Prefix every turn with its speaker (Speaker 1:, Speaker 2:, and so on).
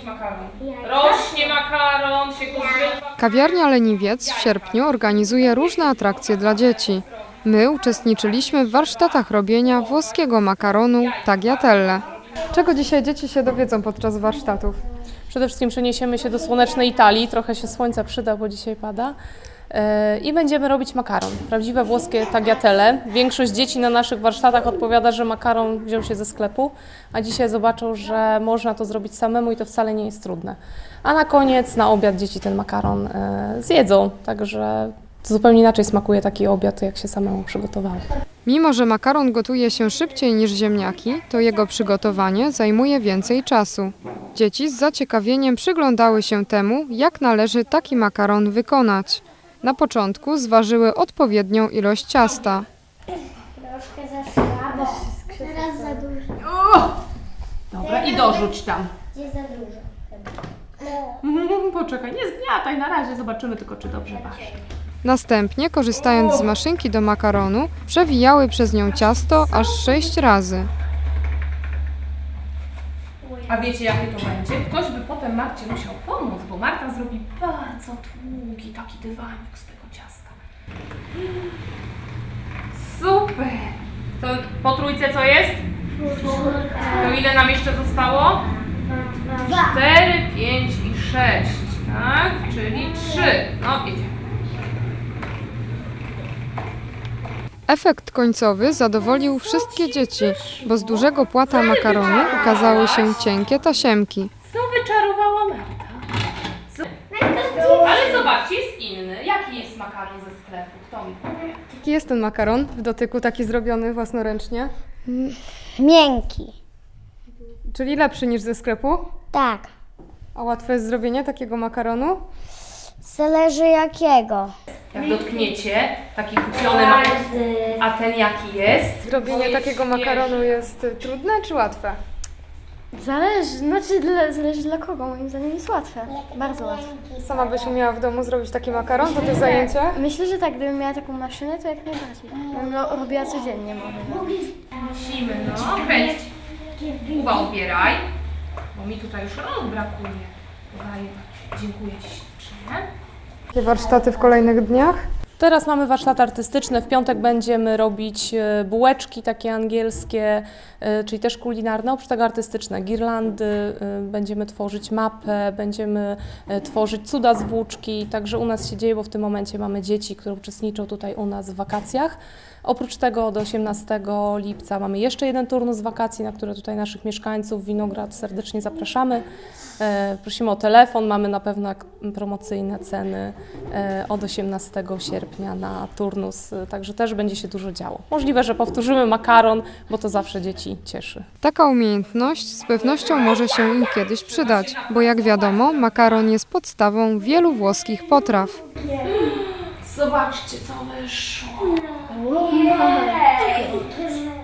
Speaker 1: makaron. Rośnie makaron, się go zrywa.
Speaker 2: Kawiarnia Leniwiec w sierpniu organizuje różne atrakcje dla dzieci. My uczestniczyliśmy w warsztatach robienia włoskiego makaronu tagliatelle. Czego dzisiaj dzieci się dowiedzą podczas warsztatów?
Speaker 1: Przede wszystkim przeniesiemy się do słonecznej Italii, trochę się słońca przyda, bo dzisiaj pada. I będziemy robić makaron, prawdziwe włoskie tagliatelle. Większość dzieci na naszych warsztatach odpowiada, że makaron wziął się ze sklepu, a dzisiaj zobaczą, że można to zrobić samemu i to wcale nie jest trudne. A na koniec, na obiad dzieci ten makaron zjedzą, także zupełnie inaczej smakuje taki obiad, jak się samemu przygotowało.
Speaker 2: Mimo że makaron gotuje się szybciej niż ziemniaki, to jego przygotowanie zajmuje więcej czasu. Dzieci z zaciekawieniem przyglądały się temu, jak należy taki makaron wykonać. Na początku zważyły odpowiednią ilość ciasta.
Speaker 3: Troszkę za słabo. Teraz za dużo.
Speaker 1: Dobra, i dorzuć tam.
Speaker 3: Gdzie za dużo?
Speaker 1: Poczekaj, nie zgniataj na razie, zobaczymy tylko, czy dobrze waży.
Speaker 2: Następnie, korzystając z maszynki do makaronu, przewijały przez nią ciasto aż 6 razy.
Speaker 1: A wiecie, jakie to będzie? Ktoś by potem Marcie musiał pomóc, bo Marta zrobi bardzo długi taki dywanik z tego ciasta. Super! To po trójce co jest? To ile nam jeszcze zostało? 4, 5 i 6, tak? Czyli 3. No, idzie.
Speaker 2: Efekt końcowy zadowolił wszystkie dzieci, bo z dużego płata makaronu ukazały się cienkie tasiemki.
Speaker 1: Co wyczarowała Marta? Ale zobaczcie, jest inny. Jaki jest makaron ze sklepu? Kto mi powie?
Speaker 2: Jaki jest ten makaron w dotyku, taki zrobiony własnoręcznie?
Speaker 3: Miękki.
Speaker 2: Czyli lepszy niż ze sklepu?
Speaker 3: Tak.
Speaker 2: A łatwe jest zrobienie takiego makaronu?
Speaker 3: Zależy jakiego.
Speaker 1: Jak dotkniecie, taki kupiony makaron, a ten jaki jest?
Speaker 2: Zrobienie takiego makaronu jest trudne czy łatwe?
Speaker 4: Zależy dla kogo, moim zdaniem jest łatwe, bardzo łatwe.
Speaker 2: Sama byś umiała w domu zrobić taki makaron, to jest zajęcie?
Speaker 4: Myślę, że tak, gdybym miała taką maszynę, to jak najbardziej. Bym robiła codziennie może.
Speaker 1: Musimy, no, kręć. Kuba, odbieraj, bo mi tutaj już rąk brakuje. Podaję. Dziękuję Ci ślicznie.
Speaker 2: Jakie warsztaty w kolejnych dniach?
Speaker 1: Teraz mamy warsztaty artystyczne. W piątek będziemy robić bułeczki takie angielskie, czyli też kulinarne, oprócz tego artystyczne. Girlandy, będziemy tworzyć mapę, będziemy tworzyć cuda z włóczki. Także u nas się dzieje, bo w tym momencie mamy dzieci, które uczestniczą tutaj u nas w wakacjach. Oprócz tego do 18 lipca mamy jeszcze jeden turnus wakacji, na które tutaj naszych mieszkańców Winograd serdecznie zapraszamy. Prosimy o telefon, mamy na pewno promocyjne ceny od 18 sierpnia na turnus, także też będzie się dużo działo. Możliwe, że powtórzymy makaron, bo to zawsze dzieci cieszy.
Speaker 2: Taka umiejętność z pewnością może się im kiedyś przydać, bo jak wiadomo, makaron jest podstawą wielu włoskich potraw.
Speaker 1: Zobaczcie, co wyszło.